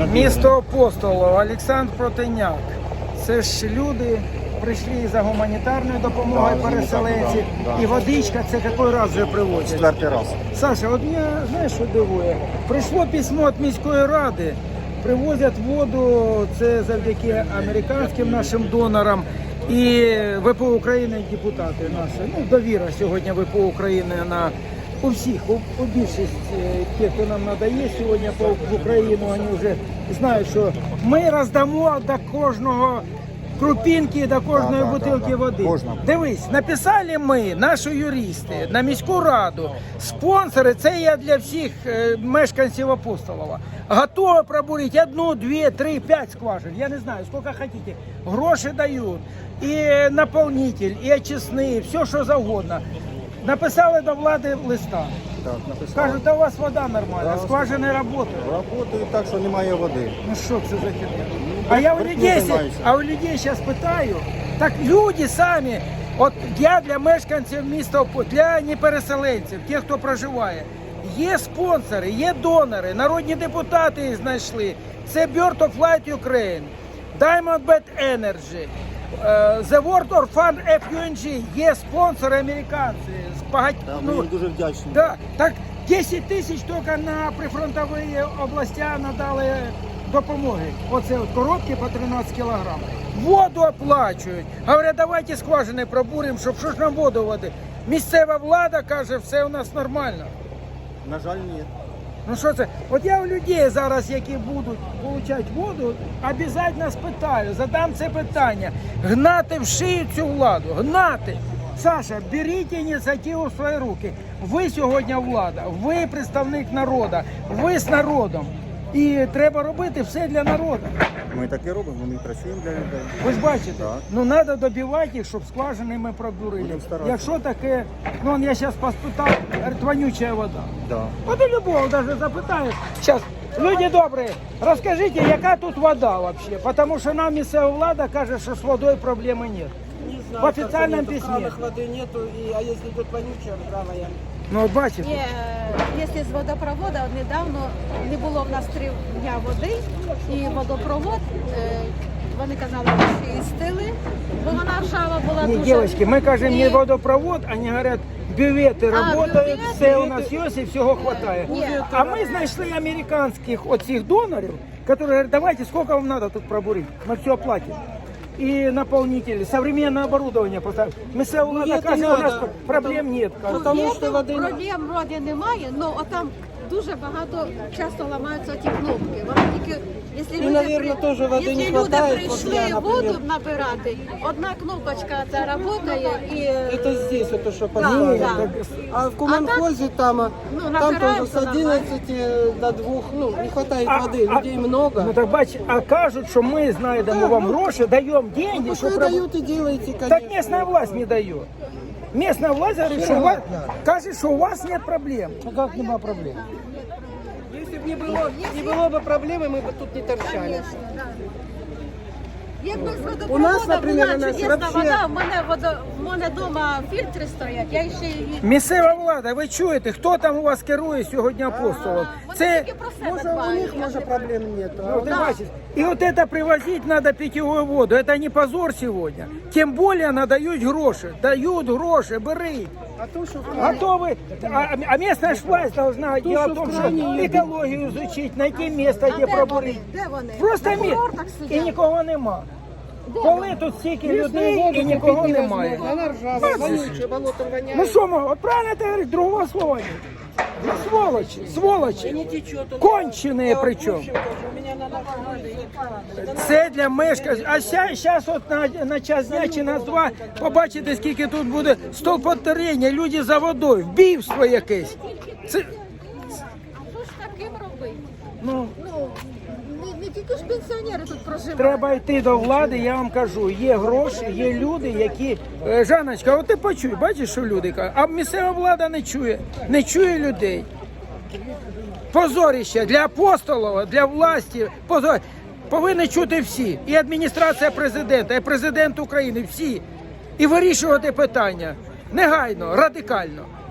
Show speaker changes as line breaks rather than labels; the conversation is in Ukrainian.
Місто Апостолів, Олександр Протеняк. Це ж люди прийшли за гуманітарною допомогою переселенців. І водичка, це який раз вже привозять?
Четвертий раз.
Саша, от мене, знаєш, що дивує? Прийшло письмо від міської ради, привозять воду, це завдяки американським нашим донорам. І ВПО України, депутати наші, ну, довіра сьогодні ВПО України у всіх, у більшість тих, хто нам надає сьогодні в Україну, вони вже знають, що ми роздамо до кожного крупинки, до кожної бутилки води. Дивись, написали ми, наші юристи, на міську раду, спонсори, це є для всіх мешканців Апостолова. Готові пробурити 1, 2, 3, 5 скважин, я не знаю, скільки хочете. Гроші дають, і наповнитель, і очисний, все, що завгодно. Написали до влади листа.
Так, написали.
Кажуть, да у вас вода нормальна, скважини працюють.
Работають так, що немає води.
Ну що це за херня? А у людей зараз питаю, так люди самі, от я для мешканців міста, для непереселенців, тих, хто проживає, є спонсори, є донори, народні депутати їх знайшли. Це Bird of Light Ukraine, Diamondback Energy, The World Orphan FUNG, є спонсори американці.
Ми їм дуже вдячні.
Да, так 10 тисяч тільки на прифронтові області надали допомоги. Оце от коробки по 13 кілограм. Воду оплачують. Говорять, давайте скважини пробуримо, щоб що ж нам воду води. Місцева влада каже, все у нас нормально.
На жаль, ні.
Ну що це? От я у людей зараз, які будуть отримати воду, обов'язково спитаю, задам це питання. Гнати в шию цю владу, гнати. Саша, беріть ініціативу в свої руки. Ви сьогодні влада, ви представник народу, ви з народом. І треба робити все для народу.
Ми так і робимо, ми працюємо для людей.
Ви ж бачите,
Так.
ну треба добивати їх, щоб скважини ми пробурили.
Будемо старатися.
Якщо таке, ну я зараз поспитав, вонюча вода.
Да.
От і любого навіть запитаєш. Зараз, люди добрі, розкажіть, яка тут вода взагалі? Тому що нам місцева влада каже, що з водою проблеми немає.
Не знаю,
В официальном
нету,
письме.
в кранах воды нету, а если тут вонючая, бравая.
Ну от бачите.
Ні, якщо з водопроводу, от недавно не було в нас 3 дня води, і водопровод, вони казали, що і стили, бо вона ржава була
Ні,
дуже.
дівчатки, ми кажемо не
І-
водопровод, вони говорять, бювети працюють,
бювети?
все у нас є і всього вистачає.
Ні.
А ми знайшли американських оцих донорів, які говорять, давайте, скільки вам треба тут пробурити, ми все оплатимо. И наполнители, современное оборудование поставить. Місцева влада
это
каже, у нас
надо,
проблем нет.
Потому що води не-
Проблем вроді немає, але там дуже багато часто ламаються ті кнопки. Вони тільки, якщо люди,
наверно, тоже води
якщо
не
люди
хватает
прийшли
после, например.
воду набирати, одна кнопочка це працює і...
Это здесь, это что
Да,
поставили.
да.
А в Куманхозе там,
ну,
там
набираем
тоже с
все
11 до 2, ну, не хватает воды, людей много.
Ну так бач, а кажуть, що ми знайдемо вам гроші, даємо деньги,
Пускай
щоб
дают и делайте, конечно.
Так местная власть не дает. Местная власть говорит, что у вас, кажется, что у вас нет проблем. А как нема проблем?
Если бы не было бы проблемы, мы бы тут не торчали.
Конечно, да. Якби з водопроводу
У нас, наприклад,
була
у нас
чудесна
вообще-
вода, в мене вдома фільтри стоять, я ще її...
Місцева влада, ви чуєте, хто там у вас керує сьогодні Апостолом?
Вони
Це,
тільки про себе
Может, у
дбають.
них, может, проблем нет. А
ну,
у
ти
нас-
бачиш, і от це привозити треба питьову воду, це не позор сьогодні. Тим більше надають гроші, дають гроші, бери.
А то, что
Готовы, а местная ж власть должна делать в том,
в
что
крайней
экологию изучить, найти место, де
де вони?
пробурити.
Де вони?
Просто
На
місце,
курортах
і
сидять.
нікого нема. Коли тут стільки людей
воду
і нікого
купить
немає.
невозможно. Она ржавая, вонючая, болотом воняет.
Ну що, от правильно ти говориш, другого слова нет. Ну, сволочі,
И не
сволочі.
течет.
Конченые
Да,
причем.
в общем, тоже, у меня на ногах.
Це для мешканців. А зараз от на час дня чи на два побачите, скільки тут буде стовпотворення, люди за водою, вбивство якесь. Це,
А що ж таким робити?
ну,
Ну, не тільки ж пенсіонери тут проживають.
треба йти до влади, я вам кажу, є гроші, є люди, які... Жанночка, от ти почуй, бачиш, що люди кажуть, а місцева влада не чує людей. Позорище для Апостолова, для власті, позор. Повинні чути всі, і адміністрація президента, і президент України, всі. І вирішувати питання негайно, радикально.